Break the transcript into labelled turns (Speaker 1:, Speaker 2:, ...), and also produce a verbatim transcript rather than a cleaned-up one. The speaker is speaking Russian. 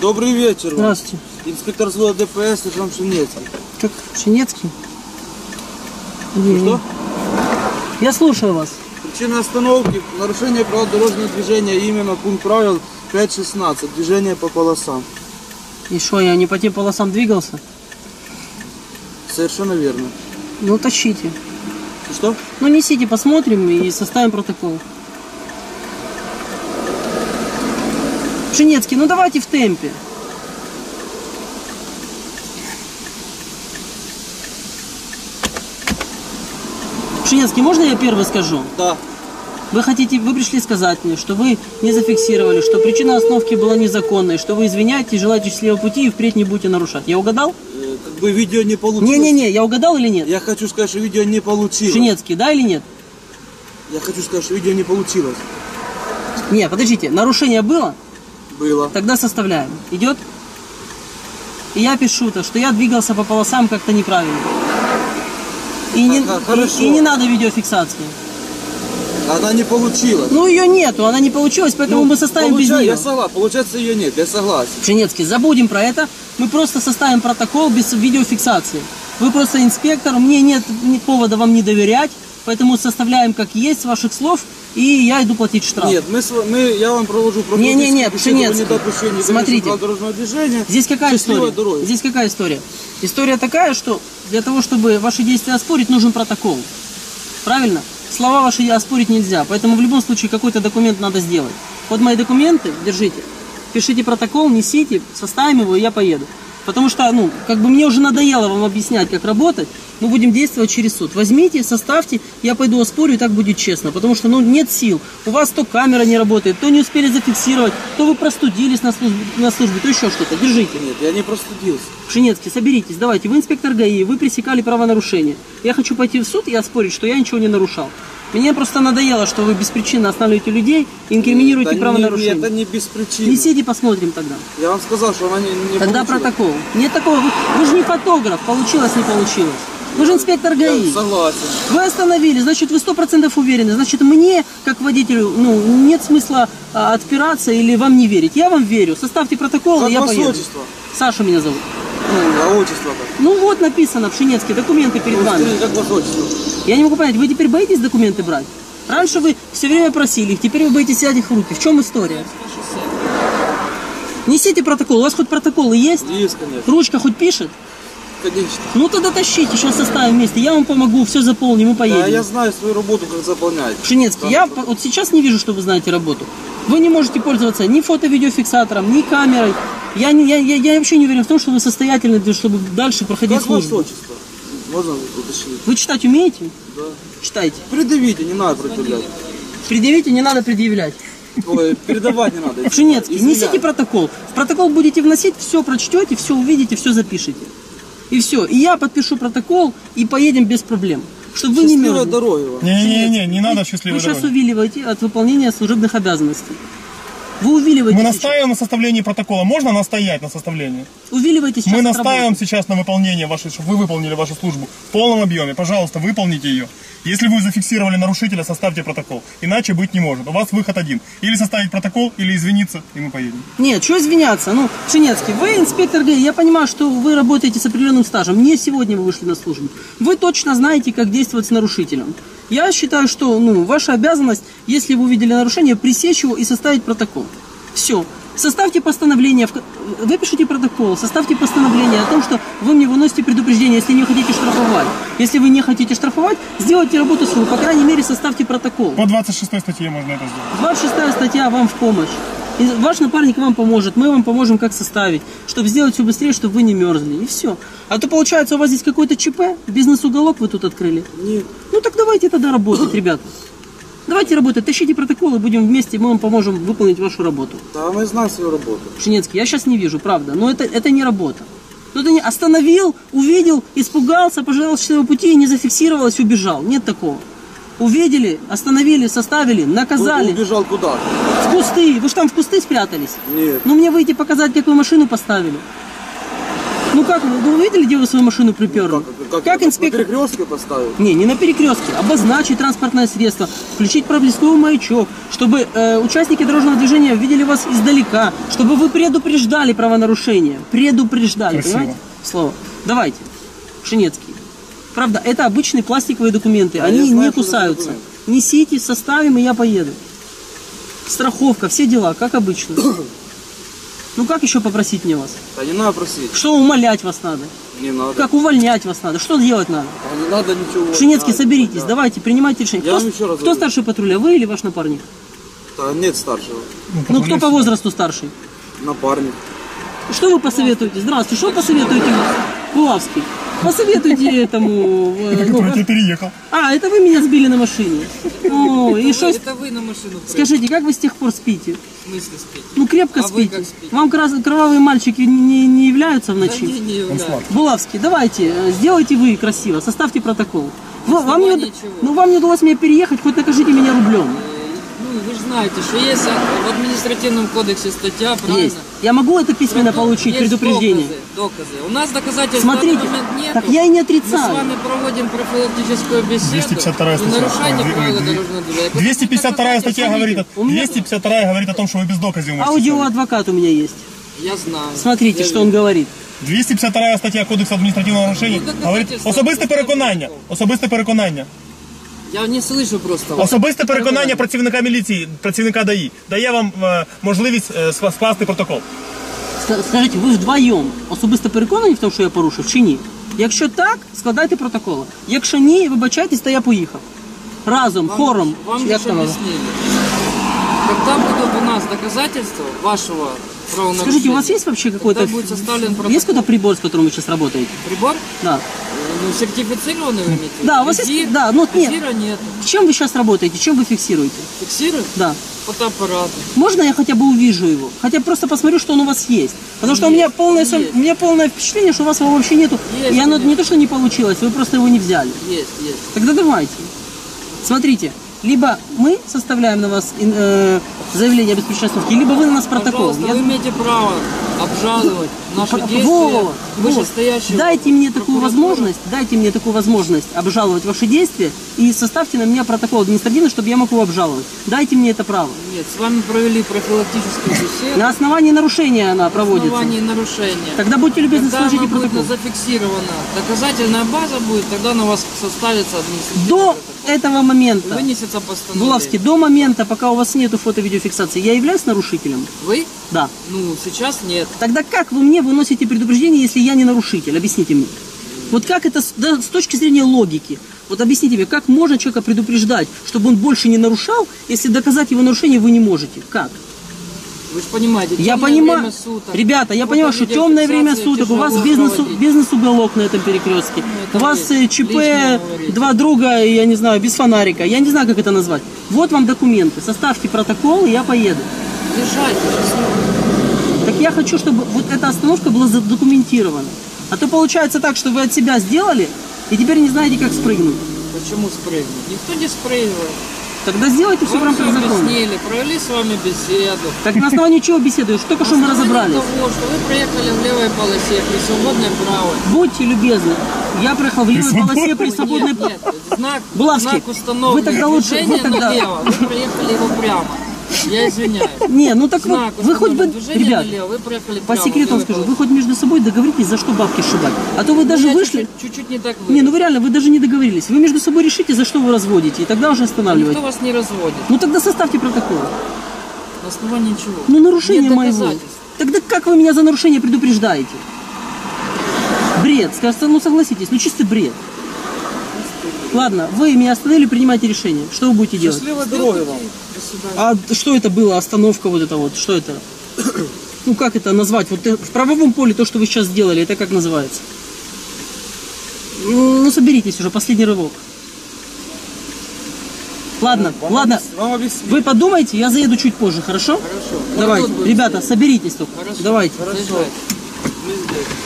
Speaker 1: Добрый вечер.
Speaker 2: Здравствуйте.
Speaker 1: Инспектор взвода ДПС, сержант Пшенецкий.
Speaker 2: Как? Пшенецкий?
Speaker 1: Что?
Speaker 2: Я слушаю вас.
Speaker 1: Причина остановки – нарушение правил дорожного движения, именно пункт правил пять шестнадцать, движение по полосам.
Speaker 2: И что, я не по тем полосам двигался?
Speaker 1: Совершенно верно.
Speaker 2: Ну, тащите.
Speaker 1: Что?
Speaker 2: Ну, несите, посмотрим и составим протокол. Пшенецкий, ну давайте в темпе. Пшенецкий, можно я первый скажу?
Speaker 1: Да.
Speaker 2: Вы хотите, вы пришли сказать мне, что вы не зафиксировали, что причина остановки была незаконной, что вы извиняетесь, желаете счастливого пути и впредь не будете нарушать. Я угадал?
Speaker 1: Э, как бы видео не получилось.
Speaker 2: Не-не-не, я угадал или нет?
Speaker 1: Я хочу сказать, что видео не получилось.
Speaker 2: Пшенецкий, да или нет?
Speaker 1: Я хочу сказать, что видео не получилось.
Speaker 2: Не, подождите, нарушение было?
Speaker 1: Было.
Speaker 2: Тогда составляем. Идет? И я пишу-то, что я двигался по полосам как-то неправильно. И не, и, и не надо видеофиксации.
Speaker 1: Она не получилась.
Speaker 2: Ну ее нету, она не получилась, поэтому
Speaker 1: ну,
Speaker 2: мы составим без нее.
Speaker 1: Я согласен, получается ее нет, я согласен.
Speaker 2: Пшенецкий, забудем про это. Мы просто составим протокол без видеофиксации. Вы просто инспектор, мне нет повода вам не доверять, поэтому составляем как есть с ваших слов, и я иду платить штраф.
Speaker 1: Нет, мы, мы, я вам провожу
Speaker 2: профилактическую не, не, не, Пшенецкий, смотрите,
Speaker 1: дорожного движения.
Speaker 2: Здесь какая история? Дороги. Здесь какая история? История такая, что для того, чтобы ваши действия оспорить, нужен протокол. Правильно? Слова ваши оспорить нельзя, поэтому в любом случае какой-то документ надо сделать. Вот мои документы, держите, пишите протокол, несите, составим его, и я поеду. Потому что, ну, как бы мне уже надоело вам объяснять, как работать, мы будем действовать через суд. Возьмите, составьте, я пойду оспорю, и так будет честно. Потому что, ну, нет сил. У вас то камера не работает, то не успели зафиксировать, то вы простудились на службе, на службе то еще что-то. Держите.
Speaker 1: Нет, я не простудился.
Speaker 2: Пшенецкий, соберитесь, давайте. Вы инспектор ГАИ, вы пресекали правонарушение. Я хочу пойти в суд и оспорить, что я ничего не нарушал. Мне просто надоело, что вы беспричинно останавливаете людей и инкриминируете
Speaker 1: да
Speaker 2: правонарушение.
Speaker 1: Не, это не без причины.
Speaker 2: Несите, посмотрим тогда.
Speaker 1: Я вам сказал, что она не, не
Speaker 2: Тогда
Speaker 1: получилась.
Speaker 2: Протокол. Нет такого. Вы, вы же не фотограф, получилось, не получилось. Вы же инспектор ГАИ.
Speaker 1: Я согласен.
Speaker 2: Вы остановили, значит, вы сто процентов уверены. Значит, мне, как водителю, ну, нет смысла а, отпираться или вам не верить. Я вам верю. Составьте протокол,
Speaker 1: как
Speaker 2: и я поеду.
Speaker 1: Отчество?
Speaker 2: Саша меня зовут.
Speaker 1: Ну, а отчество-то?
Speaker 2: Ну вот написано, Пшенецкий, документы перед
Speaker 1: ну,
Speaker 2: вами.
Speaker 1: Как ваше отчество?
Speaker 2: Я не могу понять, вы теперь боитесь документы брать? Раньше вы все время просили их, теперь вы боитесь взять их в руки. В чем история? Несите протокол. У вас хоть протоколы есть?
Speaker 1: Есть, конечно.
Speaker 2: Ручка хоть пишет?
Speaker 1: Конечно.
Speaker 2: Ну тогда тащите, сейчас составим вместе. Я вам помогу, все заполним и поедем.
Speaker 1: Да, я знаю свою работу, как заполнять.
Speaker 2: Пшенецкий, я вот сейчас не вижу, что вы знаете работу. Вы не можете пользоваться ни фото-видеофиксатором, ни камерой. Я, не, я, я, я вообще не уверен в том, что вы состоятельны, чтобы дальше проходить
Speaker 1: как
Speaker 2: службу.
Speaker 1: Ваше отчество? Можно уточнить?
Speaker 2: Вы читать умеете?
Speaker 1: Да.
Speaker 2: Читайте.
Speaker 1: Предъявите, не надо предъявлять.
Speaker 2: Предъявите, не надо предъявлять.
Speaker 1: Ой, передавать не надо.
Speaker 2: Пшенецкий, несите протокол. В протокол будете вносить, все прочтете, все увидите, все запишите. И все. И я подпишу протокол, и поедем без проблем. Чтобы вы не мерзли.
Speaker 1: Дороги вам.
Speaker 3: Не-не-не, не надо счастливой
Speaker 2: Вы
Speaker 3: дороги.
Speaker 2: сейчас увиливаете от выполнения служебных обязанностей. Вы увиливаете.
Speaker 3: Мы настаиваем на составлении протокола. Можно настоять на составлении?
Speaker 2: Увиливаете сейчас.
Speaker 3: Мы настаиваем сейчас на выполнении вашей, чтобы вы выполнили вашу службу в полном объеме. Пожалуйста, выполните ее. Если вы зафиксировали нарушителя, составьте протокол. Иначе быть не может. У вас выход один. Или составить протокол, или извиниться, и мы поедем.
Speaker 2: Нет, что извиняться? Ну, Пшенецкий, вы инспектор ГАИ, я понимаю, что вы работаете с определенным стажем. Не сегодня вы вышли на службу. Вы точно знаете, как действовать с нарушителем. Я считаю, что ну, ваша обязанность, если вы увидели нарушение, пресечь его и составить протокол. Все. Составьте постановление, выпишите протокол, составьте постановление о том, что вы мне выносите предупреждение, если не хотите штрафовать. Если вы не хотите штрафовать, сделайте работу свою, по крайней мере, составьте протокол.
Speaker 3: По двадцать шестой статье можно это сделать.
Speaker 2: двадцать шестая статья вам в помощь. И ваш напарник вам поможет, мы вам поможем, как составить, чтобы сделать все быстрее, чтобы вы не мерзли. И все. А то получается, у вас здесь какой-то ЧП, бизнес-уголок вы тут открыли.
Speaker 1: Нет.
Speaker 2: Ну так давайте тогда работать, ребята. Давайте работать, тащите протоколы, будем вместе, мы вам поможем выполнить вашу работу.
Speaker 1: Да, мы знаем свою работу.
Speaker 2: Пшенецкий, я сейчас не вижу, правда, но это, это не работа. Кто-то не остановил, увидел, испугался, пожелал счастливого пути и не зафиксировалось, убежал. Нет такого. Увидели, остановили, составили, наказали.
Speaker 1: Ты убежал куда?
Speaker 2: В кусты. Вы же там в кусты спрятались?
Speaker 1: Нет.
Speaker 2: Ну мне выйти показать, как вы машину поставили. Ну как, вы вы увидели, где вы свою машину приперли?
Speaker 1: Как,
Speaker 2: Как
Speaker 1: на
Speaker 2: инспектор...
Speaker 1: перекрестке поставить?
Speaker 2: Не, не на перекрестке. Обозначить транспортное средство, включить проблесковый маячок, чтобы э, участники дорожного движения видели вас издалека, чтобы вы предупреждали правонарушения. Предупреждали,
Speaker 3: Красиво.
Speaker 2: понимаете? Слово. Давайте, Пшенецкий. Правда, это обычные пластиковые документы,
Speaker 1: Да,
Speaker 2: они
Speaker 1: я знаю,
Speaker 2: не
Speaker 1: что за
Speaker 2: кусаются.
Speaker 1: документ.
Speaker 2: Несите, составим, и я поеду. Страховка, все дела, как обычно. Ну как еще попросить мне вас?
Speaker 1: Да не надо просить.
Speaker 2: Что умолять вас надо?
Speaker 1: Не надо.
Speaker 2: Как увольнять вас надо? Что делать надо?
Speaker 1: Да не надо ничего.
Speaker 2: Пшенецкий,
Speaker 1: Да,
Speaker 2: соберитесь,
Speaker 1: да.
Speaker 2: давайте, принимайте решение.
Speaker 1: Я
Speaker 2: Кто,
Speaker 1: вам еще раз
Speaker 2: кто
Speaker 1: говорю.
Speaker 2: старший патруля, вы или ваш напарник?
Speaker 1: Да нет старшего.
Speaker 2: Ну кто по возрасту старший?
Speaker 1: Напарник.
Speaker 2: Что вы посоветуете? Здравствуйте, что посоветуете? Булавский. Посоветуйте этому... э,
Speaker 3: Это
Speaker 2: ну,
Speaker 3: который тебя переехал.
Speaker 2: а, это вы меня сбили на машине. О, и что...
Speaker 4: Это вы на машину прыгали.
Speaker 2: Скажите, как вы с тех пор спите?
Speaker 4: В смысле спите?
Speaker 2: Ну крепко
Speaker 4: А вы
Speaker 2: спите.
Speaker 4: как спите?
Speaker 2: Вам крас- кровавые мальчики не, не являются в
Speaker 4: Да
Speaker 2: ночи?
Speaker 4: не, не являюсь.
Speaker 2: Булавский, давайте, э, сделайте вы красиво, составьте протокол. Вы- вам, не,
Speaker 4: основании
Speaker 2: уд-
Speaker 4: чего?
Speaker 2: ну, вам не удалось меня переехать, хоть накажите меня рублем.
Speaker 4: Ну, вы же знаете, что есть в административном кодексе статья, правильно?
Speaker 2: Есть. Я могу это письменно
Speaker 4: Про то,
Speaker 2: получить,
Speaker 4: есть
Speaker 2: предупреждение?
Speaker 4: Доказы, доказы. У нас доказательств
Speaker 2: Смотрите,
Speaker 4: на данный момент нету.
Speaker 2: так я и не
Speaker 4: Мы с
Speaker 2: отрицаю.
Speaker 4: вами проводим профилактическую беседу.
Speaker 3: двести пятьдесят вторая
Speaker 4: и
Speaker 3: статья.
Speaker 4: нарушайте
Speaker 3: Ой,
Speaker 4: правила
Speaker 3: ой,
Speaker 4: дорожного движения.
Speaker 3: двести пятьдесят вторая статья говорит, о-
Speaker 2: у меня-
Speaker 3: двести пятьдесят вторая говорит о том, что вы без доказов можете.
Speaker 2: Аудиоадвокат у меня есть.
Speaker 4: Я знаю.
Speaker 2: Смотрите,
Speaker 4: Я
Speaker 2: что он говорит.
Speaker 3: двести пятьдесят вторая стаття Кодексу адміністративного нарушення
Speaker 4: Ну, доказательства.
Speaker 3: говорить особисте переконання. Особисте переконання.
Speaker 4: Я не слышу просто вас.
Speaker 3: Особисте переконання працівника міліції, працівника ДАІ дає вам е, можливість е, скла- скласти протокол.
Speaker 2: Ска- Скажіть, ви вдвоєм особисто переконані в тому, що я порушив, чи ні? Якщо так, складайте протоколи. Якщо ні, вибачайтесь, то я поїхав. Разом,
Speaker 4: Вам-
Speaker 2: хором.
Speaker 4: Вам
Speaker 2: Як
Speaker 4: же
Speaker 2: там воно?
Speaker 4: объяснили. Когда будут у нас доказательства вашего правонарушения?
Speaker 2: Скажите, у вас есть вообще какой-то...
Speaker 4: Когда будет составлен протокол?
Speaker 2: Есть какой-то прибор, с которым вы сейчас работаете?
Speaker 4: Прибор?
Speaker 2: Да.
Speaker 4: Ну, сертифицированный вы имеете? в виду?
Speaker 2: Да, у вас
Speaker 4: Визир?
Speaker 2: есть- да, ну, нет.
Speaker 4: Визира нет.
Speaker 2: Чем вы сейчас работаете? Чем вы фиксируете?
Speaker 4: Фиксирует?
Speaker 2: Да.
Speaker 4: Фотоаппарат.
Speaker 2: Можно я хотя бы увижу его? Хотя бы просто посмотрю, что он у вас есть. Потому что у меня полное, сом-
Speaker 4: есть.
Speaker 2: у меня полное впечатление, что у вас его вообще нету.
Speaker 4: Есть,
Speaker 2: И оно
Speaker 4: конечно.
Speaker 2: не то, что не получилось, вы просто его не взяли.
Speaker 4: Есть, есть.
Speaker 2: Тогда давайте. Смотрите, либо мы составляем на вас э, заявление о беспричастности, либо вы на нас протокол.
Speaker 4: Пожалуйста,
Speaker 2: Я-
Speaker 4: вы имеете право обжаловать наши
Speaker 2: Про-
Speaker 4: действия
Speaker 2: во,
Speaker 4: вышестоящего.
Speaker 2: вот. Дайте мне такую
Speaker 4: прокуратуры.
Speaker 2: возможность, дайте мне такую возможность обжаловать ваши действия и составьте на меня протокол административный, чтобы я мог его обжаловать. Дайте мне это право.
Speaker 4: Нет, с вами провели профилактическую беседу.
Speaker 2: На основании нарушения она
Speaker 4: На
Speaker 2: проводится.
Speaker 4: основании нарушения.
Speaker 2: Тогда будьте любезны,
Speaker 4: Когда
Speaker 2: сложите
Speaker 4: она будет
Speaker 2: протокол.
Speaker 4: зафиксирована, доказательная база будет, тогда на вас составится административный
Speaker 2: До
Speaker 4: протокол.
Speaker 2: этого
Speaker 4: И
Speaker 2: момента,
Speaker 4: вынесется постановление.
Speaker 2: Булавский, до момента, пока у вас нету фото-видеофиксации, я являюсь нарушителем?
Speaker 4: Вы?
Speaker 2: Да.
Speaker 4: Ну, сейчас нет.
Speaker 2: Тогда как вы мне выносите предупреждение, если я не нарушитель? Объясните мне. Вот как это с, да, с точки зрения логики? Вот объясните мне, как можно человека предупреждать, чтобы он больше не нарушал, если доказать его нарушение вы не можете? Как?
Speaker 4: Вы же понимаете,
Speaker 2: Я
Speaker 4: темное
Speaker 2: понимаю,
Speaker 4: время суток.
Speaker 2: ребята, я
Speaker 4: Вот
Speaker 2: понимаю, что темное время
Speaker 4: видеофиксация
Speaker 2: суток, у вас
Speaker 4: тяжело
Speaker 2: бизнес,
Speaker 4: проводить.
Speaker 2: бизнес-уголок на этом перекрестке, у
Speaker 4: это
Speaker 2: вас
Speaker 4: вы
Speaker 2: э, ЧП,
Speaker 4: лично говорите.
Speaker 2: два друга, я не знаю, без фонарика, я не знаю, как это назвать. Вот вам документы, составьте протокол, и я поеду.
Speaker 4: Езжайте, счастливо.
Speaker 2: Так я хочу, чтобы вот эта остановка была задокументирована. А то получается так, что вы от себя сделали, и теперь не знаете, как спрыгнуть.
Speaker 4: Почему спрыгнуть? Никто не спрыгивает.
Speaker 2: Тогда сделайте все в
Speaker 4: Вам все
Speaker 2: рамках закона.
Speaker 4: объяснили, провели с вами беседу.
Speaker 2: Так на основании чего беседуешь? Только что мы
Speaker 4: На основании
Speaker 2: разобрались.
Speaker 4: того, что вы проехали в левой полосе при свободной правой.
Speaker 2: Будьте любезны. Я проехал в левой
Speaker 3: свободной?
Speaker 2: полосе при свободной...
Speaker 4: Нет, нет, знак,
Speaker 2: Булавский,
Speaker 4: знак установлен.
Speaker 2: вы тогда лучше-
Speaker 4: Движение
Speaker 2: вы тогда-
Speaker 4: налево, вы проехали его прямо. Я извиняюсь.
Speaker 2: Не, ну так
Speaker 4: Знак
Speaker 2: вот, вы хоть бы,
Speaker 4: установлен. Движение
Speaker 2: ребят,
Speaker 4: налево, вы проехали
Speaker 2: по
Speaker 4: прямо в
Speaker 2: секрету вам
Speaker 4: левой
Speaker 2: скажу, вы
Speaker 4: полосе.
Speaker 2: хоть между собой договоритесь, за что бабки сшибать. А то вы даже
Speaker 4: Я
Speaker 2: вышли...
Speaker 4: чуть-чуть- Чуть-чуть не так вы.
Speaker 2: Не, ну вы реально, вы даже не договорились. Вы между собой решите, за что вы разводите, и тогда уже останавливайте.
Speaker 4: Никто вас не разводит.
Speaker 2: Ну тогда составьте протокол.
Speaker 4: На основании чего?
Speaker 2: Ну нарушение
Speaker 4: Нет
Speaker 2: моего.
Speaker 4: доказательств.
Speaker 2: Тогда как вы меня за нарушение предупреждаете? Бред, скажется, ну согласитесь, ну чистый бред. Ладно, вы меня остановили, принимайте решение. Что вы будете делать?
Speaker 4: Счастливо
Speaker 1: Здоровья вам.
Speaker 4: До свидания.
Speaker 2: А что это было, остановка вот это вот, что это? Ну как это назвать? Вот э, в правовом поле то, что вы сейчас сделали, это как называется? Ну, ну, соберитесь уже, последний рывок. Ладно,
Speaker 1: Вам
Speaker 2: ладно,
Speaker 1: объяс- Вам объясню.
Speaker 2: вы подумайте, я заеду чуть позже, хорошо?
Speaker 4: Хорошо.
Speaker 2: Давайте,
Speaker 4: Вот тут будем
Speaker 2: ребята,
Speaker 4: стоять.
Speaker 2: соберитесь только.
Speaker 4: Хорошо.
Speaker 2: Давайте.
Speaker 4: Заезжайте.
Speaker 1: Мы здесь.